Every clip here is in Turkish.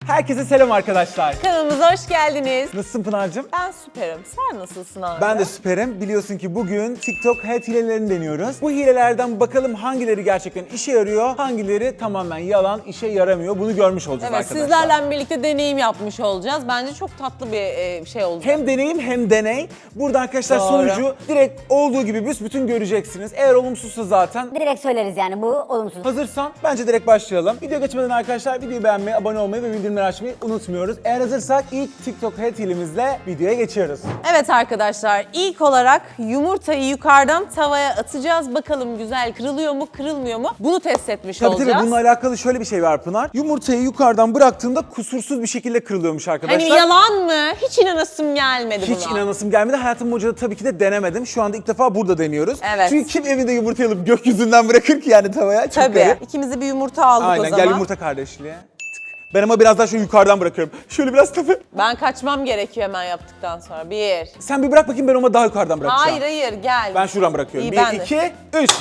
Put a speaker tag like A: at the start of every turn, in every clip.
A: Herkese selam arkadaşlar.
B: Kanalımıza hoş geldiniz.
A: Nasılsın Pınar'cığım?
B: Ben süperim. Sen nasılsın abi?
A: Ben de süperim. Biliyorsun ki bugün TikTok Health hilelerini deniyoruz. Bu hilelerden bakalım hangileri gerçekten işe yarıyor, hangileri tamamen yalan, işe yaramıyor. Bunu görmüş olacağız
B: Evet,
A: arkadaşlar.
B: sizlerle birlikte deneyim yapmış olacağız. Bence çok tatlı bir şey olacak.
A: Hem deneyim hem deney. Burada arkadaşlar
B: Doğru.
A: sonucu direkt olduğu gibi büsbütün göreceksiniz. Eğer olumsuzsa zaten
C: Direkt söyleriz yani bu olumsuz.
A: hazırsan bence direkt başlayalım. Video geçmeden arkadaşlar videoyu beğenmeyi, abone olmayı ve bildirimleri açmayı unutmuyoruz. Eğer hazırsak ilk TikTok Health hilemizle videoya geçiyoruz.
B: Evet arkadaşlar, ilk olarak yumurtayı yukarıdan tavaya atacağız. Bakalım güzel kırılıyor mu, kırılmıyor mu? Bunu test etmiş
A: Tabii
B: olacağız.
A: bununla alakalı şöyle bir şey var Pınar. Yumurtayı yukarıdan bıraktığında kusursuz bir şekilde kırılıyormuş arkadaşlar.
B: Hani yalan mı? Hiç inanasım gelmedi buna.
A: Hiç inanasım gelmedi. Hayatım boyunca da tabii ki de denemedim. Şu anda ilk defa burada deniyoruz.
B: Evet.
A: Çünkü kim evinde yumurtayı alıp gökyüzünden bırakır ki yani tavaya? Çok
B: Tabii.
A: garip.
B: İkimiz de bir yumurta aldık o
A: Aynen
B: zaman.
A: gel yumurta kardeşliğe. Tık. Ben ama biraz daha şöyle yukarıdan bırakıyorum. Şöyle biraz tabii.
B: Ben kaçmam gerekiyor hemen yaptıktan sonra. Bir.
A: Sen bir bırak bakayım, ben ama daha yukarıdan bırakacağım.
B: Hayır gel.
A: Ben şuradan bırakıyorum.
B: İyi, ben
A: 1,
B: de.
A: 2, 3.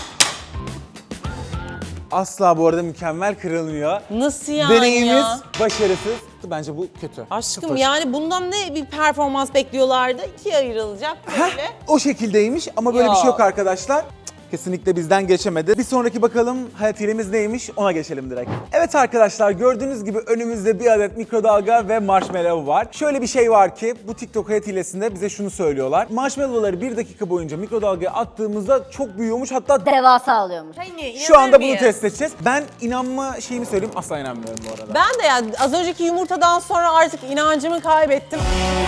A: Asla bu arada mükemmel kırılmıyor.
B: Nasıl yani
A: Deneyimiz
B: ya?
A: başarısız. Bence bu kötü.
B: Aşkım
A: Sıfır.
B: yani bundan ne bir performans bekliyorlardı? İkiye ayrılacak böyle.
A: O şekildeymiş ama böyle bir şey
B: Yok.
A: yok arkadaşlar. Kesinlikle bizden geçemedi. Bir sonraki bakalım hayat hilemiz neymiş, ona geçelim direkt. Evet arkadaşlar, gördüğünüz gibi önümüzde bir adet mikrodalga ve marshmallow var. Şöyle bir şey var ki bu TikTok hayat hilesinde bize şunu söylüyorlar. Marshmallow'ları 1 dakika boyunca mikrodalgaya attığımızda çok büyüyormuş, hatta
C: Devasa alıyormuş.
A: şu anda bunu test edeceğiz. Ben inanma şeyimi söyleyeyim, asla inanmıyorum bu arada.
B: Ben de yani az önceki yumurtadan sonra artık inancımı kaybettim.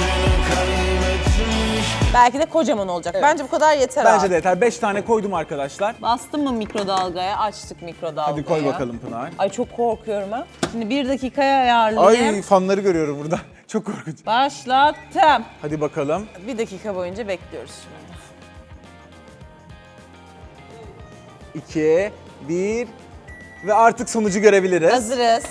B: Belki de kocaman olacak. Bence bu kadar yeter
A: Bence
B: abi.
A: de yeter. 5 tane koydum arkadaşlar.
B: Bastım mı mikrodalgaya? Açtık mikrodalgayı.
A: Hadi koy bakalım Pınar.
B: Ay çok korkuyorum ha. Şimdi 1 dakikaya ayarlayayım.
A: Ay, fanları görüyorum burada. Çok korkunç.
B: Başlattım.
A: Hadi bakalım.
B: 1 dakika boyunca bekliyoruz şimdi.
A: 2, 1 ve artık sonucu görebiliriz.
B: Hazırız.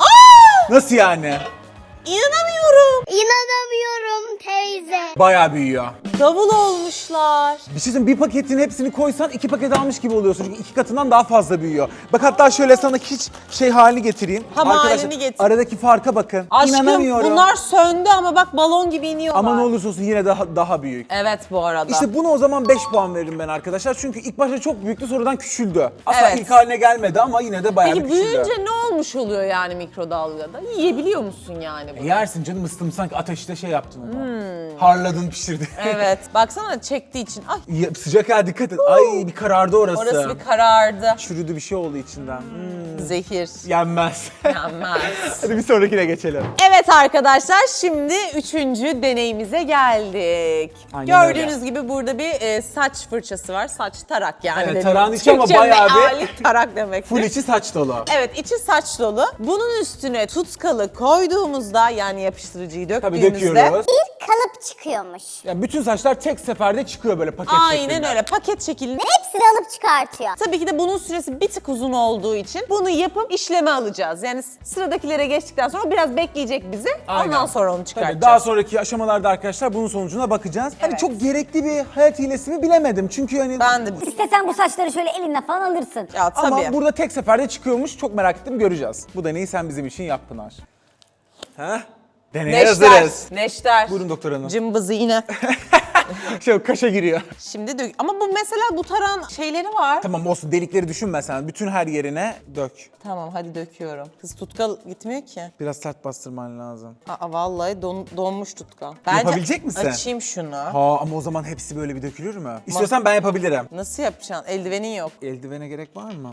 A: Nasıl yani?
B: İnanamıyorum.
C: İnanamıyorum teyze.
A: Bayağı büyüyor.
B: Davul olmuşlar.
A: Bir şey söyleyeyim, bir paketin hepsini koysan 2 paket almış gibi oluyorsun. Çünkü 2 katından daha fazla büyüyor. Bak hatta şöyle sana hiç şey halini getireyim.
B: Tam
A: Arkadaşlar,
B: halini getir.
A: aradaki farka bakın.
B: Aşkım
A: İnanamıyorum.
B: bunlar söndü ama bak balon gibi iniyorlar.
A: Ama ne olursa olsun yine daha büyük.
B: Evet bu arada.
A: İşte bunu o zaman 5 puan veririm ben arkadaşlar. Çünkü ilk başta çok büyüktü, sonradan küçüldü. Asla
B: Evet.
A: ilk haline gelmedi ama yine de bayağı
B: Peki
A: bir küçüldü.
B: büyüyünce ne olmuş oluyor yani mikrodalgada? Yiyebiliyor musun yani bunu?
A: Yersin canım, ıstım sanki ateşte şey yaptın onu. Harladın, pişirdin.
B: Evet. Baksana çektiği için. Ay
A: Ya, sıcak ha, dikkat et. Ay, bir karardı orası.
B: orası bir karardı.
A: Çürüdü, bir şey oldu içinden.
B: Zehir.
A: Yenmez.
B: Yenmez.
A: Hadi bir sonrakine geçelim.
B: Evet arkadaşlar, şimdi 3. deneyimize geldik.
A: Aynen
B: Gördüğünüz gibi burada bir saç fırçası var. Saç tarak yani.
A: Evet,
B: benim
A: tarağın içi ama
B: Türkçe
A: bayağı bir-
B: meali tarak demek.
A: Full içi saç dolu.
B: Evet, içi saç dolu. Bunun üstüne tutkalı koyduğumuzda, yani yapıştırıcıyı
A: Tabii
B: döktüğümüzde
A: döküyoruz.
C: Bir kalıp çıkıyormuş.
A: Ya bütün saçlar tek seferde çıkıyor böyle paket
B: aynen
A: şeklinde.
B: öyle paket şeklinde.
C: Hepsini alıp çıkartıyor.
B: Tabii ki de bunun süresi bir tık uzun olduğu için bunu yapıp işleme alacağız. Yani sıradakilere geçtikten sonra biraz bekleyecek bizi.
A: Aynen.
B: Ondan sonra onu
A: Tabii
B: çıkartacağız.
A: daha sonraki aşamalarda arkadaşlar bunun sonucuna bakacağız. Hani
B: Evet.
A: çok gerekli bir hayat hilesi mi bilemedim. Çünkü hani
B: Ben de
C: İstesen bu saçları şöyle elinle falan alırsın.
B: ya tabii.
A: ama burada tek seferde çıkıyormuş. Çok merak ettim, göreceğiz. Bu deneyi sen bizim için yap Pınar. Heh. Deneye hazırız.
B: Neşter.
A: Buyurun doktor hanım.
B: Cımbızı yine.
A: Şey, kaşa giriyor.
B: Şimdi dök. Ama bu mesela bu taran şeyleri var.
A: Tamam olsun, delikleri düşünme sen. Bütün her yerine dök.
B: Tamam hadi döküyorum. Kız tutkal gitmiyor ki.
A: Biraz sert bastırman lazım.
B: Aa vallahi donmuş tutkal.
A: Yapabilecek misin?
B: Açayım şunu.
A: Ha, ama o zaman hepsi böyle bir dökülür mü? İstiyorsan ben yapabilirim.
B: Nasıl yapacaksın? Eldivenin yok.
A: Eldivene gerek var mı?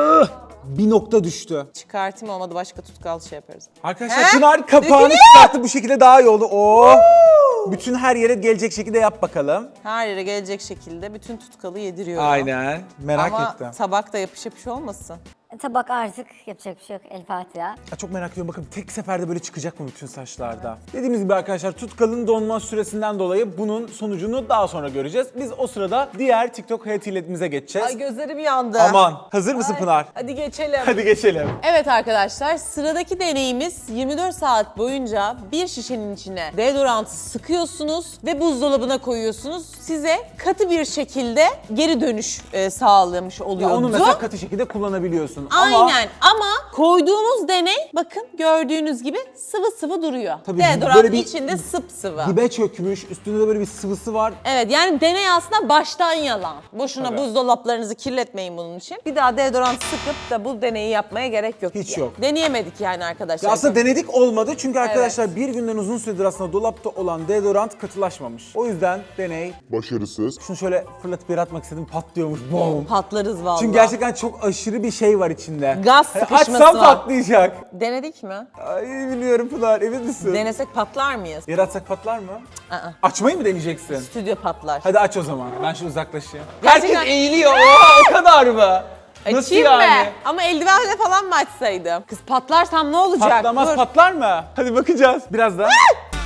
A: Bir nokta düştü.
B: Çıkartayım, olmadı başka tutkal şey yaparız.
A: Arkadaşlar
B: He?
A: Pınar kapağını
B: Dökülüyor.
A: çıkarttı, bu şekilde daha iyi oldu. Oo. Bütün her yere gelecek şekilde yap bakalım.
B: Her yere gelecek şekilde bütün tutkalı yediriyorum.
A: Aynen. Merak
B: Ama
A: ettim.
B: tabak da yapış olmasın.
C: Tabak artık yapacak bir şey yok. El Fatiha.
A: Ya çok merak ediyorum, bakın tek seferde böyle çıkacak mı bütün saçlarda? Dediğimiz gibi arkadaşlar, tutkalın donma süresinden dolayı bunun sonucunu daha sonra göreceğiz. Biz o sırada diğer TikTok hayat hiletimize geçeceğiz.
B: Ay gözlerim yandı.
A: Aman, hazır mısın Pınar?
B: Hadi geçelim.
A: Hadi geçelim.
B: Evet arkadaşlar, sıradaki deneyimiz 24 saat boyunca bir şişenin içine deodorantı sıkıyorsunuz ve buzdolabına koyuyorsunuz. Size katı bir şekilde geri dönüş sağlamış
A: Ya
B: oluyordu.
A: onu mesela katı şekilde kullanabiliyorsun. ama
B: Aynen ama koyduğumuz deney bakın gördüğünüz gibi sıvı sıvı duruyor.
A: Tabii
B: Deodorant
A: böyle bir
B: içinde sıvı.
A: dibe çökmüş, üstünde de böyle bir sıvısı var.
B: Evet yani deney aslında baştan yalan. Boşuna
A: Tabii.
B: buzdolaplarınızı kirletmeyin bunun için. Bir daha deodorant sıkıp da bu deneyi yapmaya gerek yok.
A: Hiç
B: diye.
A: yok.
B: Deneyemedik yani arkadaşlar.
A: Ya aslında denedik olmadı çünkü arkadaşlar bir günden uzun süredir aslında dolapta olan deodorant katılaşmamış. O yüzden deney,
D: Başarısız.
A: şunu şöyle fırlatıp yere atmak istedim, patlıyormuş. Boom.
B: Patlarız vallahi.
A: Çünkü gerçekten çok aşırı bir şey var içinde.
B: Gaz
A: Hani
B: sıkışması
A: açsam
B: var.
A: patlayacak.
B: Denedik mi?
A: Ay biliyorum Pınar, emin misin?
B: Denesek patlar mıyız?
A: Yere atsak patlar mı?
B: Aa.
A: Açmayı mı deneyeceksin?
B: Stüdyo patlar.
A: Hadi aç o zaman. Ben şu uzaklaşayım.
B: Gerçekten-
A: Herkes eğiliyor. Oha, o kadar mı? Nasıl
B: Açayım
A: yani?
B: mı? Ama eldivenle falan mı açsaydım? Kız patlarsam ne olacak?
A: Patlamaz,
B: Dur.
A: patlar mı? Hadi bakacağız. Biraz daha.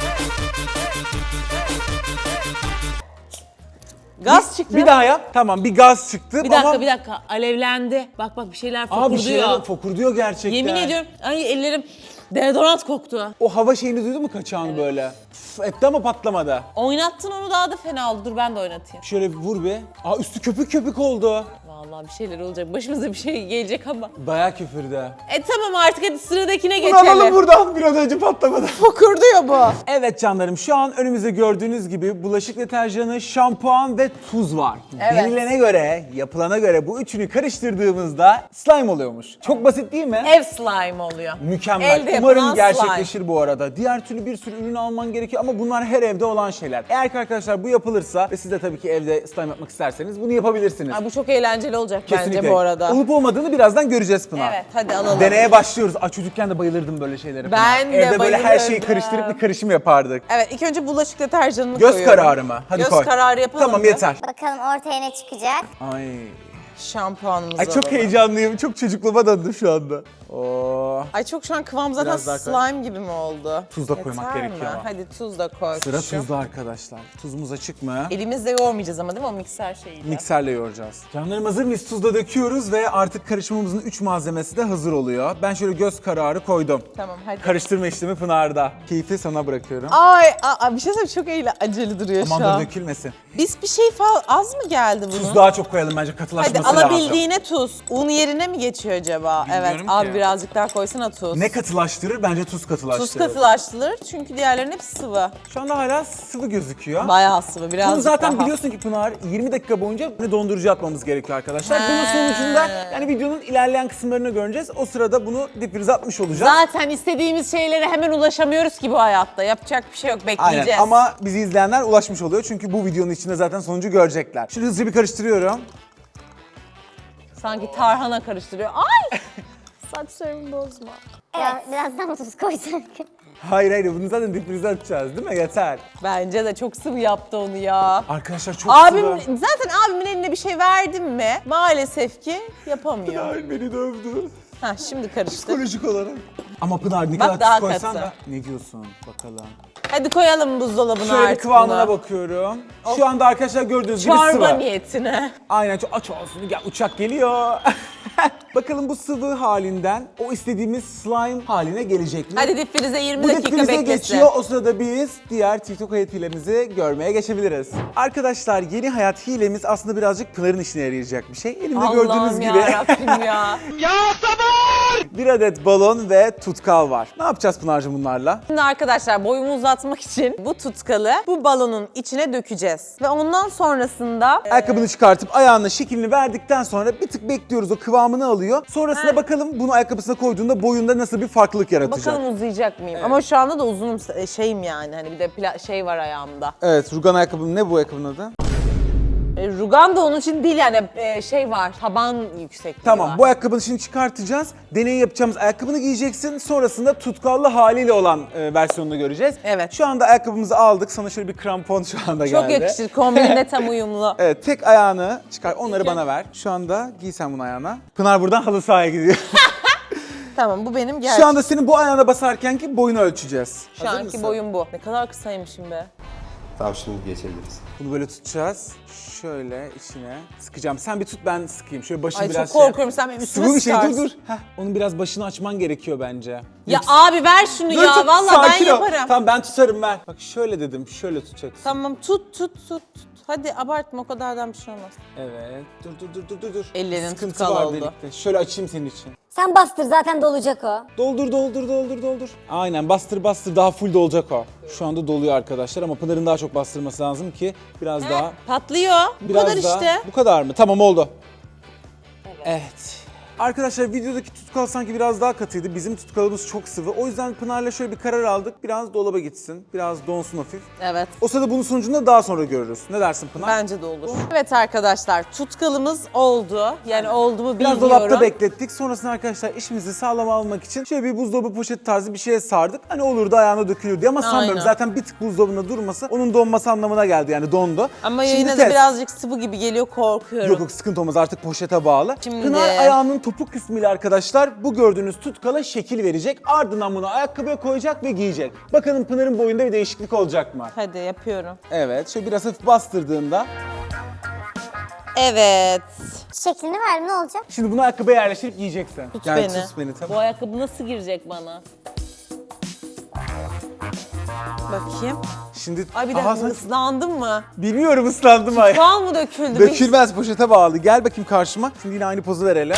B: Gaz çıktı.
A: Bir daha yap. Tamam, bir gaz çıktı
B: Bir dakika
A: ama...
B: bir dakika alevlendi. Bak bak bir şeyler
A: Aa,
B: fokurduyor.
A: bir şeyler fokurduyor gerçekten.
B: Yemin ediyorum ay ellerim deodorant koktu.
A: O hava şeyini duydun mu kaçağını böyle? Üf, etti ama patlamadı.
B: Oynattın onu daha da fena oldu. Dur ben de oynatayım.
A: Şöyle bir vur bir. Aa, üstü köpük köpük oldu.
B: Vallahi bir şeyler olacak. Başımıza bir şey gelecek ama.
A: Bayağı küfürdü.
B: Tamam artık hadi sıradakine
A: Bunu alalım
B: geçelim.
A: buradan, bir an önce patlamadı.
B: Fokurduyor bu.
A: Evet canlarım, şu an önümüzde gördüğünüz gibi bulaşık deterjanı, şampuan ve tuz var.
B: Evet.
A: Denilene göre, yapılana göre bu üçünü karıştırdığımızda slime oluyormuş. Çok basit değil mi?
B: Ev slime oluyor.
A: Mükemmel.
B: Elde
A: Umarım
B: yapılan
A: gerçekleşir bu arada. Diğer türlü bir sürü ürün alman gerekiyor ama bunlar her evde olan şeyler. Eğer ki arkadaşlar bu yapılırsa ve siz de tabii ki evde slime yapmak isterseniz bunu yapabilirsiniz.
B: Ay, bu çok eğlenceli olacak
A: Kesinlikle.
B: bence bu arada.
A: Olup olmadığını birazdan göreceğiz Pınar.
B: Evet hadi alalım.
A: Deneye başlıyoruz. Ay, çocukken de bayılırdım böyle şeylere. Pınar.
B: Ben de
A: Evde böyle her şeyi
B: bayılırdım.
A: karıştırıp bir karışım yapardık.
B: Evet ilk önce bulaşık deterjanını
A: Göz
B: koyuyorum.
A: kararı mı? Hadi
B: Göz
A: koy.
B: kararı yapalım
A: Tamam
B: mı?
A: yeter.
C: Bakalım ortaya ne çıkacak?
A: Ay.
B: Şampuanımızı
A: Ay çok
B: alalım.
A: heyecanlıyım. Çok çocukluğuma döndüm şu anda. Oo.
B: Ay çok şu an kıvam zaten
A: Biraz daha koy.
B: slime gibi mi oldu?
A: Tuz da koymak
B: Yeter
A: gerekiyor
B: mi?
A: ama.
B: Hadi tuz da koy.
A: Sıra
B: kuşum.
A: tuzda arkadaşlar. Tuzumuz açık mı?
B: Elimizle yoğurmayacağız ama değil mi o mikser şeyiyle?
A: Mikserle yoğuracağız. Canlarım hazır mıyız? Tuzla döküyoruz ve artık karışımımızın 3 malzemesi de hazır oluyor. Ben şöyle göz kararı koydum.
B: Tamam hadi.
A: Karıştırma işlemi Pınar'da. Keyfi sana bırakıyorum.
B: Ay bir şey söyleyeyim çok acele duruyor
A: Aman
B: şu
A: da
B: an.
A: dökülmesin.
B: Biz bir şey az mı geldi bunun?
A: Tuz daha çok koyalım bence,
B: Hadi
A: katılaşması lazım.
B: alabildiğine tuz. Un yerine mi geçiyor acaba?
A: Bilmiyorum
B: Evet
A: ki.
B: abi birazcık daha koysana tuz.
A: Ne katılaştırır? Bence tuz katılaştırır.
B: Tuz katılaştırılır çünkü diğerlerinin hepsi sıvı.
A: Şu anda hala sıvı gözüküyor.
B: Bayağı sıvı birazcık
A: Bunu zaten
B: daha.
A: biliyorsun ki Pınar, 20 dakika boyunca dondurucuya atmamız gerekiyor arkadaşlar. Bunun
B: He.
A: sonucunda yani videonun ilerleyen kısımlarını göreceğiz. O sırada bunu difrize atmış olacağız.
B: Zaten istediğimiz şeylere hemen ulaşamıyoruz ki bu hayatta. Yapacak bir şey yok bekleyeceğiz.
A: Aynen ama bizi izleyenler ulaşmış oluyor çünkü bu videonun içinde zaten sonucu görecekler. Şimdi hızlıca bir karıştırıyorum.
B: Sanki tarhana karıştırıyor. Ay! Saçlarımı bozma.
C: Biraz daha mı tuz koysak?
A: Hayır bunu zaten difrize atacağız değil mi? Yeter.
B: Bence de çok sıvı yaptı onu ya.
A: Arkadaşlar çok
B: Abim,
A: sıvı.
B: zaten abimin eline bir şey verdim mi maalesef ki yapamıyor.
A: Pınar beni dövdü.
B: Ha şimdi karıştı.
A: Psikolojik olarak. Ama Pınar ne
B: Bak
A: kadar
B: daha
A: tuz koysan
B: katı.
A: da ne diyorsun bakalım.
B: Hadi koyalım buzdolabına
A: Şöyle bir
B: artık
A: kıvamına
B: bunu.
A: bakıyorum. Şu anda arkadaşlar gördüğünüz gibi
B: Çorba
A: sıvı.
B: niyetine.
A: Aynen, çok aç olsun. Gel, uçak geliyor. Bakalım bu sıvı halinden o istediğimiz slime haline gelecek mi?
B: Hadi difrize 20
A: Bu
B: dakika
A: difrize
B: beklesin.
A: geçiyor. O sırada biz diğer TikTok hayat hilemizi görmeye geçebiliriz. Arkadaşlar yeni hayat hilemiz aslında birazcık Pınar'ın işine yarayacak bir şey. Elimde gördüğünüz
B: Allah'ım
A: gibi
B: yarabbim ya.
A: bir adet balon ve tutkal var. Ne yapacağız Pınar'cığım bunlarla?
B: Şimdi arkadaşlar boyumu uzatmak için bu tutkalı bu balonun içine dökeceğiz. Ve ondan sonrasında
A: Ayakkabını çıkartıp ayağına şeklini verdikten sonra bir tık bekliyoruz, o kıvamını alıyor. Sonrasında bakalım bunu ayakkabısına koyduğunda boyunda nasıl bir farklılık yaratacak.
B: bakalım uzayacak mıyım? Ama şu anda da uzunum şeyim yani hani bir de şey var ayağımda.
A: Evet, rugan ayakkabım. Ne bu ayakkabının adı?
B: Rugan da onun için değil yani şey var taban yüksekliği
A: Tamam,
B: var.
A: bu ayakkabının şimdi çıkartacağız. Deney yapacağımız ayakkabını giyeceksin. Sonrasında tutkallı haliyle olan versiyonunu göreceğiz.
B: Evet.
A: Şu anda ayakkabımızı aldık. Sana şöyle bir krampon şu anda
B: Çok
A: geldi.
B: yakışır kombinle tam uyumlu.
A: Evet, tek ayağını çıkar. Onları bana ver. Şu anda giy sen bunu ayağına. Pınar buradan halı sahaya gidiyor.
B: Tamam bu benim gerçek.
A: Şu anda senin bu ayağına basarken ki boyunu ölçeceğiz.
B: Şu
A: Hazır
B: anki
A: mısın?
B: boyum bu. Ne kadar kısaymışım be.
D: Tamam, şimdi geçebiliriz.
A: Bunu böyle tutacağız. Şöyle içine sıkacağım. Sen bir tut, ben sıkayım. Şöyle başını
B: Ay
A: biraz
B: çok korkuyorum, sen benim üstüme
A: Sıvı bir şey, dur
B: sıkarsın.
A: dur. Heh, onun biraz başını açman gerekiyor bence.
B: Ya abi ver şunu
A: Dur,
B: ya,
A: tut,
B: vallahi ben
A: sakin ol.
B: yaparım.
A: Tamam ben tutarım, ver. Bak şöyle dedim, şöyle tutacaksın.
B: Tamam tut. Hadi abartma, o kadardan bir şey olmaz.
A: Evet. Dur.
B: Ellerin
A: Sıkıntı
B: tutkal
A: var
B: oldu.
A: delikte. Şöyle açayım senin için.
C: Sen bastır, zaten dolacak o.
A: Doldur. Aynen, bastır daha full dolacak o. Şu anda doluyor arkadaşlar ama Pınar'ın daha çok bastırması lazım ki biraz daha.
B: Patlıyor. Bu
A: Biraz
B: kadar
A: daha.
B: işte.
A: Bu kadar mı? Tamam, oldu. Evet. Arkadaşlar videodaki tutkal sanki biraz daha katıydı. Bizim tutkalımız çok sıvı. O yüzden Pınar'la şöyle bir karar aldık. Biraz dolaba gitsin. Biraz donsun hafif.
B: Evet.
A: O sırada bunun sonucunu da daha sonra görürüz. Ne dersin Pınar?
B: Bence de olur. Evet arkadaşlar, tutkalımız oldu. Yani oldu mu
A: Biraz
B: bilmiyorum.
A: dolapta beklettik. Sonrasında arkadaşlar işimizi sağlam almak için şöyle bir buzdolabı poşet tarzı bir şeye sardık. Hani olur da ayağına dökülür diye ama sanmıyorum.
B: Aynen.
A: Zaten bir tık buzdolabında durması onun donması anlamına geldi, yani dondu.
B: Ama
A: Şimdi
B: yine de
A: test.
B: birazcık sıvı gibi geliyor, korkuyorum.
A: Yok sıkıntı olmaz, artık poşete bağlı.
B: Şimdi-
A: Pınar ayağının topuk kısmıyla arkadaşlar bu gördüğünüz tutkala şekil verecek. Ardından bunu ayakkabıya koyacak ve giyecek. Bakalım Pınar'ın boyunda bir değişiklik olacak mı?
B: Hadi yapıyorum.
A: Evet, şöyle biraz hafif bastırdığında.
B: Evet.
C: Şeklini ver, ne olacak?
A: Şimdi bunu ayakkabıya yerleştirip giyeceksin.
B: Tut
A: Yani
B: beni.
A: Tut beni, tamam.
B: Bu ayakkabı nasıl girecek bana? Bakayım.
A: Şimdi
B: Ay bir dakika,
A: sen-
B: ıslandın mı?
A: Bilmiyorum, ıslandım ay.
B: Bal mı döküldü?
A: Dökülmez, poşete bağlı. Gel bakayım karşıma. Şimdi yine aynı pozu verelim.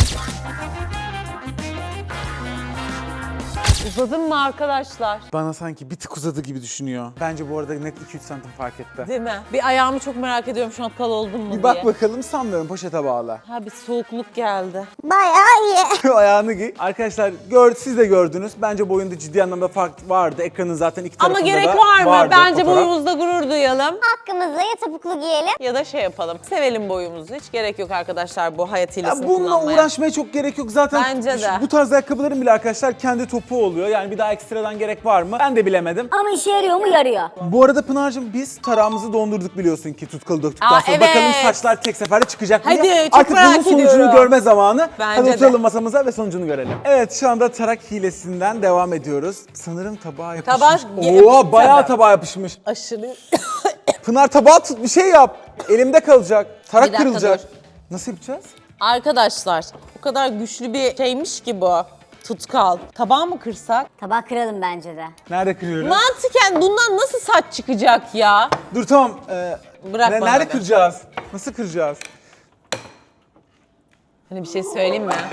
B: Uzadın mı arkadaşlar?
A: Bana sanki bir tık uzadı gibi düşünüyor. Bence bu arada net 2-3 santim fark etti.
B: Değil mi? Bir ayağımı çok merak ediyorum şu an, kal oldum mu
A: Bir
B: diye.
A: bak bakalım, sanmıyorum, poşete bağlı.
B: Ha, bir soğukluk geldi.
C: Bayağı iyi.
A: Ayağını giy. Arkadaşlar siz de gördünüz. Bence boyunda ciddi anlamda fark vardı. Ekranın zaten iki
B: Ama
A: tarafında
B: gerek
A: da
B: var mı?
A: vardı
B: Bence
A: fotoğraf.
B: boyumuzda gurur duyalım.
C: Hakkımızda ya topuklu giyelim.
B: Ya da şey yapalım. Sevelim boyumuzu. Hiç gerek yok arkadaşlar bu hayat
A: Ya
B: hilesini
A: bununla
B: kullanmaya.
A: uğraşmaya çok gerek yok zaten.
B: Bence de.
A: Bu tarz ayakkabıların bile arkadaşlar kendi topuğu oluyor. Yani bir daha ekstradan gerek var mı? Ben de bilemedim.
C: Ama işe yarıyor mu? Yarıyor.
A: Bu arada Pınar'cığım biz tarağımızı dondurduk biliyorsun ki, tutkalı döktükten
B: Aa,
A: sonra.
B: evet.
A: Bakalım saçlar tek seferde çıkacak mı
B: Hadi,
A: diye.
B: çok
A: Artık
B: merak
A: bunun sonucunu
B: ediyorum.
A: görme zamanı.
B: Bence
A: Hadi
B: de.
A: oturalım masamıza ve sonucunu görelim. Evet, şu anda tarak hilesinden devam ediyoruz. Sanırım tabağa yapışmış.
B: Tabak-
A: Bayağı
B: Tabii.
A: tabağa yapışmış.
B: Aşırı.
A: Pınar tabağı tut, bir şey yap. Elimde kalacak. Tarak
B: Bir dakika,
A: kırılacak.
B: dur.
A: Nasıl yapacağız?
B: Arkadaşlar o kadar güçlü bir şeymiş ki bu. Tutkal. Tabağı mı kırsak?
C: Tabağı kıralım bence de.
A: Nerede kırıyoruz?
B: Mantıken bundan nasıl saç çıkacak ya?
A: Dur tamam.
B: Bırak bana
A: nerede
B: be.
A: kıracağız? Nasıl kıracağız?
B: Hani bir şey söyleyeyim mi?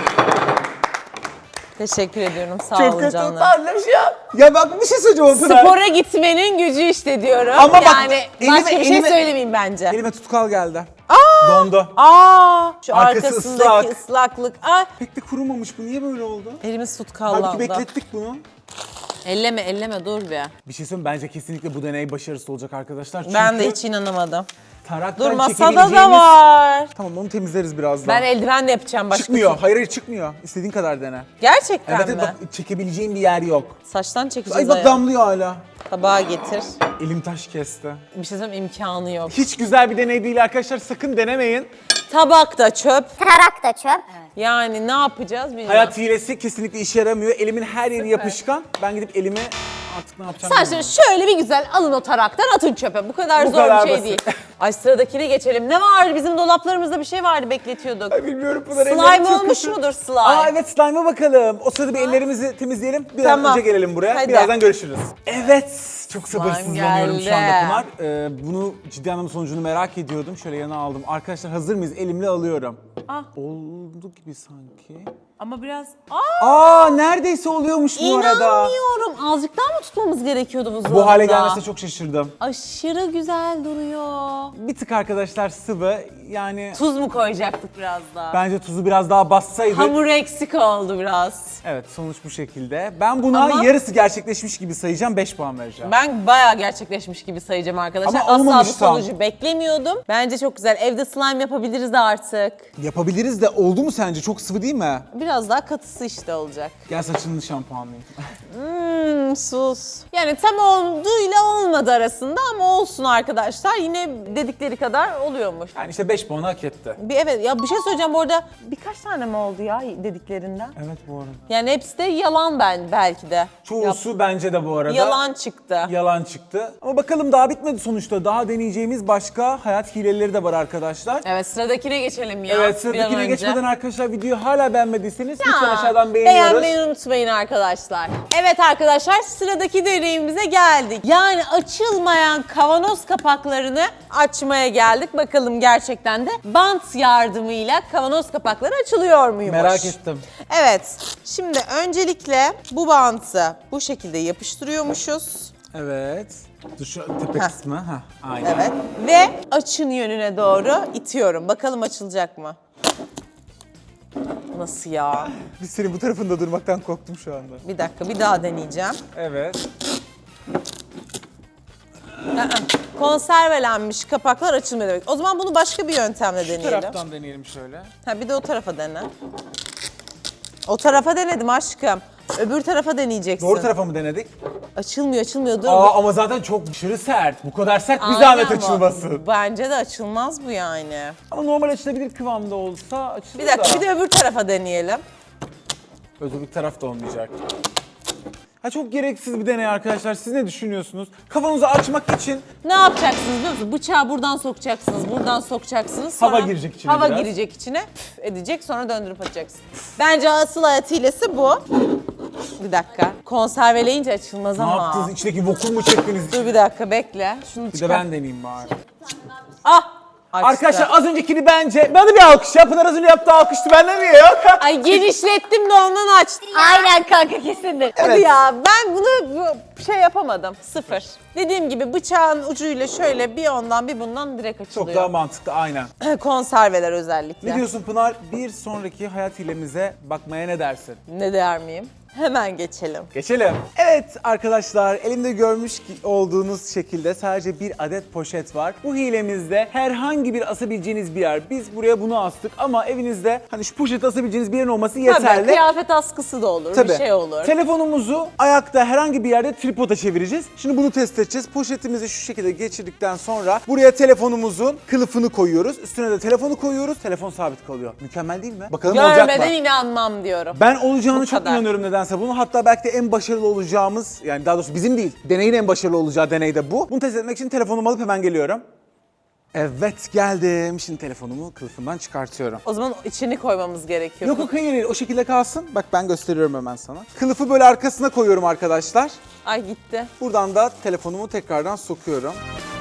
B: Teşekkür ediyorum. Sağ
A: Çok
B: olun
A: kötü
B: canım.
A: utandım şu an. Ya bak bir şey söyleyeceğim Pınar.
B: Spora gitmenin gücü işte diyorum.
A: Ama bak,
B: yani
A: elime-
B: başka bir şey
A: elime-
B: söylemeyeyim bence.
A: Elime tutkal geldi. Dondu.
B: Şu
A: Arkası
B: arkasındaki
A: ıslak.
B: ıslaklık. Ay,
A: Pek de kurumamış bu. Niye böyle oldu?
B: elimiz
A: Halbuki
B: tutkallandı.
A: beklettik bunu.
B: Elleme dur bir.
A: Bir şey söyleyeyim, bence kesinlikle bu deney başarısız olacak arkadaşlar. Çünkü
B: Ben de hiç inanamadım.
A: taraktan
B: Dur, masada da
A: çekebileceğimiz-
B: var.
A: Tamam, onu temizleriz birazdan.
B: Ben eldivenle yapacağım başka.
A: Çıkmıyor. Hayır çıkmıyor. İstediğin kadar dene.
B: Gerçekten
A: Evet,
B: mi?
A: bak çekebileceğin bir yer yok.
B: Saçtan çekeceğiz
A: Ay bak,
B: ayağı.
A: damlıyor hala.
B: Tabağa getir.
A: Elim taş kesti.
B: Bir şey söyleyeyim, imkanı yok.
A: Hiç güzel bir deney değil arkadaşlar. Sakın denemeyin.
B: Tabak da çöp.
C: Tarak da çöp.
B: Yani ne yapacağız bilmiyorum.
A: Hayat hilesi kesinlikle işe yaramıyor. Elimin her yeri yapışkan. Ben gidip elimi artık ne yapacağım
B: Sen
A: bilmiyorum.
B: şimdi şöyle bir güzel alın o taraktan, atın çöpe. Bu kadar
A: Bu
B: zor
A: kadar
B: bir şey
A: basit.
B: değil. Ay, sıradakine geçelim. Ne vardı? Bizim dolaplarımızda bir şey vardı, bekletiyorduk.
A: Ay bilmiyorum Pınar, ellerim
B: Slime
A: çok
B: olmuş
A: kötü.
B: mudur slime?
A: Aa evet, slime'a bakalım. O sırada bir ellerimizi temizleyelim. Bir an
B: Tamam.
A: önce gelelim buraya.
B: Hadi.
A: Birazdan görüşürüz. Evet. Çok sabırsızlanıyorum
B: geldi.
A: şu anda Pınar. Bunu ciddi anlamda sonucunu merak ediyordum. Şöyle yana aldım. Arkadaşlar hazır mıyız? Elimle alıyorum.
B: Ah.
A: Oldu gibi sanki.
B: Ama biraz...
A: Neredeyse oluyormuş bu arada.
B: İnanmıyorum. Azıcık daha mı tutmamız gerekiyordu buzdolabında?
A: Bu hale gelmesine çok şaşırdım.
B: Aşırı güzel duruyor.
A: Bir tık arkadaşlar sıvı. Yani
B: Tuz mu koyacaktık biraz daha?
A: bence tuzu biraz daha bassaydı.
B: Hamur eksik oldu biraz.
A: Evet, sonuç bu şekilde. Ben buna
B: Ama-
A: yarısı gerçekleşmiş gibi sayacağım. 5 puan vereceğim.
B: Ben bayağı gerçekleşmiş gibi sayacağım arkadaşlar.
A: Ama
B: Asla bu
A: olmamış tam.
B: sonucu beklemiyordum. Bence çok güzel. Evde slime yapabiliriz de artık.
A: Yapabiliriz de, oldu mu sence? Çok sıvı değil mi?
B: Biraz daha katısı işte olacak.
A: Gel saçını şampuanlayayım.
B: Sus. Yani tam olduğuyla olmadı arasında ama olsun arkadaşlar. Yine dedikleri kadar oluyormuş.
A: Yani işte 5 puanı hak etti.
B: Evet ya, bir şey söyleyeceğim bu arada. Birkaç tane mi oldu ya dediklerinden?
A: Evet bu arada.
B: Yani hepsi de yalan belki de.
A: Çoğusu bence de bu arada.
B: Yalan çıktı.
A: Yalan çıktı. Ama bakalım daha bitmedi sonuçta. Daha deneyeceğimiz başka hayat hileleri de var arkadaşlar.
B: Evet, sıradakine geçelim ya.
A: Evet,
B: bir an
A: sıradakine
B: önce.
A: geçmeden arkadaşlar videoyu hala beğenmediyseniz
B: Ya,
A: lütfen aşağıdan beğeniyoruz.
B: Beğenmeyi unutmayın arkadaşlar. Evet arkadaşlar, sıradaki deneyimize geldik. Yani açılmayan kavanoz kapaklarını açmaya geldik. Bakalım gerçekten de bant yardımıyla kavanoz kapakları açılıyor muymuş?
A: Merak ettim.
B: Evet, şimdi öncelikle bu bantı bu şekilde yapıştırıyormuşuz.
A: Evet. Dur şu tepe
B: Heh.
A: kısmı. Heh, aynen.
B: Evet. Ve açın yönüne doğru itiyorum. Bakalım açılacak mı? Nasıl ya?
A: Biz senin bu tarafında durmaktan korktum şu anda.
B: Bir dakika, bir daha deneyeceğim.
A: Evet.
B: Konservelenmiş kapaklar açılmıyor demek. O zaman bunu başka bir yöntemle
A: Şu
B: deneyelim.
A: taraftan deneyelim şöyle.
B: Ha, bir de o tarafa dene. O tarafa denedim aşkım. Öbür tarafa deneyeceksin.
A: Doğru tarafa mı denedik?
B: Açılmıyor dur.
A: Ama zaten çok aşırı sert. Bu kadar sert bir
B: Aynen
A: zahmet
B: ama
A: açılmasın.
B: Bence de açılmaz bu yani.
A: Ama normal açılabilir kıvamda olsa açılır
B: Bir dakika,
A: da.
B: bir de öbür tarafa deneyelim.
A: Öbür taraf da olmayacak. Ha, çok gereksiz bir deney arkadaşlar. Siz ne düşünüyorsunuz? Kafanızı açmak için
B: Ne yapacaksınız biliyor musunuz? Bıçağı buradan sokacaksınız, buradan sokacaksınız.
A: Hava
B: sonra
A: girecek içine
B: Hava
A: biraz.
B: girecek içine, püf edecek, sonra döndürüp atacaksın. Bence asıl hayat hilesi bu. Bir dakika. Konserveleyince açılmaz
A: ne
B: ama.
A: yaptınız? İçindeki vakum mu çektiniz?
B: Dur bir dakika bekle. Şunu
A: Bir de
B: çıkar.
A: ben deneyeyim bari.
B: Ah! Açtı.
A: Arkadaşlar az öncekini bence... Bana bir alkış ya. Pınar az önce yaptığı alkıştı. Bende niye yok?
B: Ay genişlettim de ondan açtım.
C: Aynen kanka kesindir.
B: Hadi ya, ben bunu şey yapamadım. Sıfır. Dediğim gibi bıçağın ucuyla şöyle bir ondan bir bundan direkt açılıyor.
A: Çok daha mantıklı, aynen.
B: Konserveler özellikle.
A: Ne diyorsun Pınar? Bir sonraki hayat hilemize bakmaya ne dersin?
B: Ne der miyim? Hemen geçelim.
A: Geçelim. Evet arkadaşlar, elimde görmüş olduğunuz şekilde sadece bir adet poşet var. Bu hilemizde herhangi bir asabileceğiniz bir yer. Biz buraya bunu astık ama evinizde hani şu poşeti asabileceğiniz bir yerin olması
B: Tabii
A: yeterli.
B: kıyafet askısı da olur,
A: Tabii.
B: bir şey olur.
A: Telefonumuzu ayakta herhangi bir yerde tripoda çevireceğiz. Şimdi bunu test edeceğiz. Poşetimizi şu şekilde geçirdikten sonra buraya telefonumuzun kılıfını koyuyoruz. Üstüne de telefonu koyuyoruz. Telefon sabit kalıyor. Mükemmel değil mi? Bakalım olacak mı?
B: Görmeden inanmam diyorum.
A: Ben olacağını
B: Bu
A: çok
B: kadar.
A: inanıyorum nedense bunu. Hatta belki de en başarılı olacağımız, yani daha doğrusu bizim değil, deneyin en başarılı olacağı deney de bu. Bunu test etmek için telefonumu alıp hemen geliyorum. Evet, geldim. Şimdi telefonumu kılıfından çıkartıyorum.
B: O zaman içini koymamız gerekiyor.
A: Yok yok, hayır, o şekilde kalsın. Bak ben gösteriyorum hemen sana. Kılıfı böyle arkasına koyuyorum arkadaşlar.
B: Ay gitti.
A: Buradan da telefonumu tekrardan sokuyorum.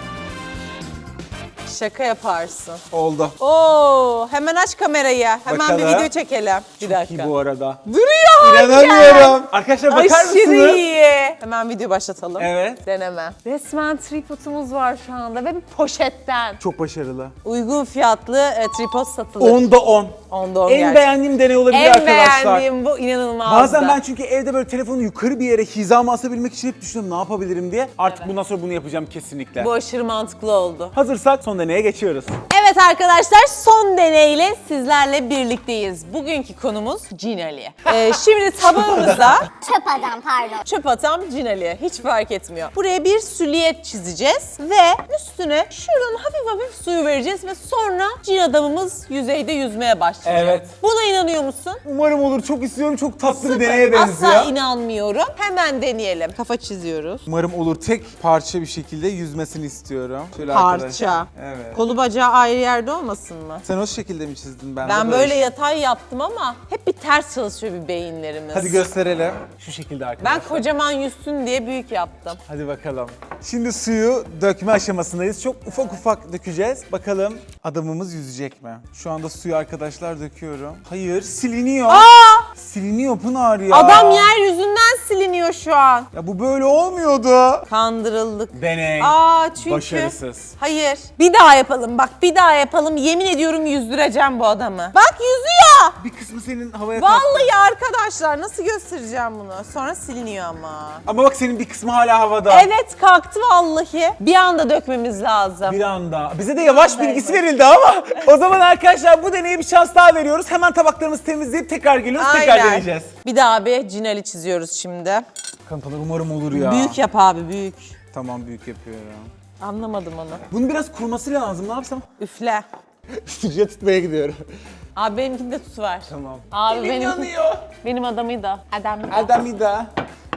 B: Şaka yaparsın.
A: Oldu.
B: Oo, hemen aç kamerayı. Hemen
A: Bakalım.
B: bir video çekelim. Bir
A: Çok
B: dakika.
A: iyi bu arada.
B: Duruyor hala.
A: İnanamıyorum. Arkadaşlar bakar
B: Aşırı
A: mısınız?
B: iyi. Hemen video başlatalım.
A: Evet.
B: Deneme. Resmen tripodumuz var şu anda ve bir poşetten.
A: Çok başarılı.
B: Uygun fiyatlı tripod satılır.
A: 10'da 10.
B: Onda 10
A: En
B: gerçekten.
A: beğendiğim deney olabilir
B: En
A: arkadaşlar.
B: beğendiğim bu, inanılmaz.
A: Bazen ben çünkü evde böyle telefonu yukarı bir yere hizama asabilmek için hep düşünüyorum ne yapabilirim diye. Artık bundan sonra bunu yapacağım kesinlikle.
B: Bu aşırı mantıklı oldu.
A: Hazırsak son deneye geçiyoruz.
B: Evet arkadaşlar, son deneyle sizlerle birlikteyiz. Bugünkü konumuz Cinali. Şimdi tabağımıza
C: Çöp adam pardon.
B: çöp atan Cinali. Hiç fark etmiyor. Buraya bir süliyet çizeceğiz ve üstüne şuradan hafif hafif suyu vereceğiz ve sonra cin adamımız yüzeyde yüzmeye başlayacak.
A: Evet.
B: Buna inanıyor musun?
A: Umarım olur. Çok istiyorum. Çok tatlı bir
B: Sıfır.
A: deneye benziyor.
B: Asla inanmıyorum. Hemen deneyelim. Kafa çiziyoruz.
A: Umarım olur. Tek parça bir şekilde yüzmesini istiyorum. Şöyle
B: Parça.
A: arkadaşlar. Evet.
B: Kolu bacağı ayrı yerde olmasın mı?
A: Sen o şekilde mi çizdin? Ben
B: Ben
A: de
B: böyle yatay yaptım ama hep bir ters çalışıyor bir beyinlerimiz.
A: Hadi gösterelim. Şu şekilde arkadaşlar.
B: Ben kocaman yüzsün diye büyük yaptım.
A: Hadi bakalım. Şimdi suyu dökme aşamasındayız. Çok ufak ufak dökeceğiz. Bakalım adamımız yüzecek mi? Şu anda suyu arkadaşlar döküyorum. Hayır, siliniyor. Siliniyor Pınar ya.
B: Adam yeryüzünden siliniyor şu an.
A: Ya bu böyle olmuyordu.
B: Kandırıldık.
A: Deney.
B: Çünkü...
A: Başarısız.
B: Hayır. Bir daha yapalım bak, bir daha yapalım. Yemin ediyorum yüzdüreceğim bu adamı. Bak yüzüyor.
A: Bir kısmı senin havaya kalktı.
B: Vallahi arkadaşlar nasıl göstereceğim bunu? Sonra siliniyor ama.
A: Ama bak senin bir kısmı hala havada.
B: Evet kalktı vallahi. Bir anda dökmemiz lazım.
A: Bir anda. Bize de yavaş bilgisi verildi ama. O zaman arkadaşlar bu deneye bir şans daha veriyoruz. Hemen tabaklarımızı temizleyip tekrar geliyoruz. Tekrar deneyeceğiz.
B: Bir daha bir Cinali çiziyoruz şimdi.
A: Kankalar umarım olur ya.
B: Büyük yap abi, büyük.
A: Tamam, büyük yapıyorum.
B: Anlamadım onu.
A: Bunun biraz kuruması lazım. Ne yapsam?
B: Üfle.
A: Sıcak tutmaya gidiyorum.
B: Abi benimkinde tut var.
A: Tamam.
B: Abi
A: Elim yanıyor.
B: benim adamı da. Adam.
A: Adamida.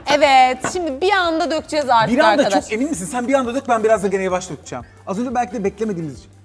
B: Evet, şimdi bir anda dökeceğiz artık
A: Bir anda
B: arkadaş.
A: çok emin misin? Sen bir anda dök, ben biraz da gene yavaş dökeceğim. Az önce belki de beklemediğimiz için.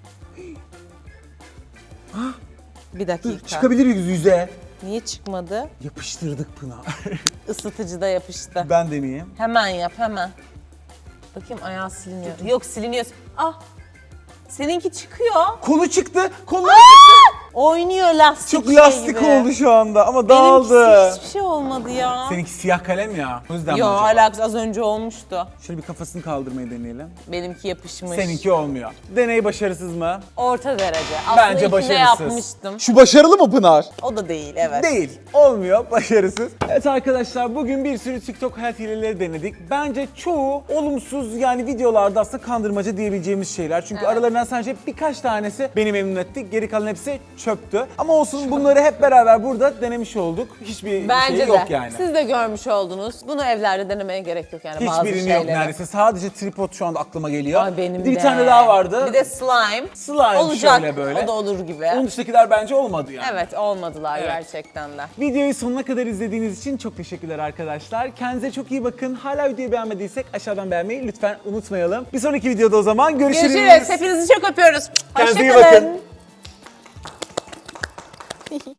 B: Bir dakika.
A: Çıkabilir yüze.
B: Niye çıkmadı?
A: Yapıştırdık Pınar.
B: Isıtıcıda yapıştı.
A: Ben deneyeyim.
B: Hemen yap, hemen. Bakayım ayağı siliniyor. Yok, siliniyor. Ah! Seninki çıkıyor.
A: Kolu çıktı. Kolu
B: Oynuyor lastik
A: çok
B: şey
A: lastik
B: gibi.
A: oldu şu anda ama
B: Benimkisi
A: dağıldı.
B: hiçbir şey olmadı ya.
A: Seninki siyah kalem ya. O yüzden mi
B: Yo,
A: acaba?
B: alakası az önce olmuştu.
A: Şöyle bir kafasını kaldırmayı deneyelim.
B: Benimki yapışmış.
A: Seninki olmuyor. Deney başarısız mı?
B: Orta derece. Aslında
A: Bence
B: ikide
A: başarısız.
B: yapmıştım.
A: Şu başarılı mı Pınar?
B: O da değil, evet.
A: Değil. Olmuyor. Başarısız. Evet arkadaşlar, bugün bir sürü TikTok hayat hileleri denedik. Bence çoğu olumsuz, yani videolarda aslında kandırmaca diyebileceğimiz şeyler. Çünkü aralarından sadece birkaç tanesi beni memnun etti. Geri kalan hepsi çöptü. Ama olsun, bunları hep beraber burada denemiş olduk. Hiçbir
B: Bence
A: şey
B: de.
A: yok yani.
B: Siz de görmüş oldunuz. Bunu evlerde denemeye gerek yok yani bazı
A: Hiçbirini
B: şeyleri.
A: yok neredeyse. Sadece tripod şu anda aklıma geliyor.
B: Ay benim
A: bir
B: de.
A: tane daha vardı.
B: Bir de slime.
A: Slime
B: Olacak.
A: şöyle böyle.
B: O da olur gibi.
A: Onun dışındakiler bence olmadı yani.
B: Evet, olmadılar
A: Evet.
B: gerçekten de.
A: Videoyu sonuna kadar izlediğiniz için çok teşekkürler arkadaşlar. Kendinize çok iyi bakın. Hala videoyu beğenmediysek aşağıdan beğenmeyi lütfen unutmayalım. Bir sonraki videoda o zaman görüşürüz.
B: Görüşürüz. Hepinizi çok öpüyoruz.
A: Kendinize iyi
B: Hoşça kalın.
A: bakın.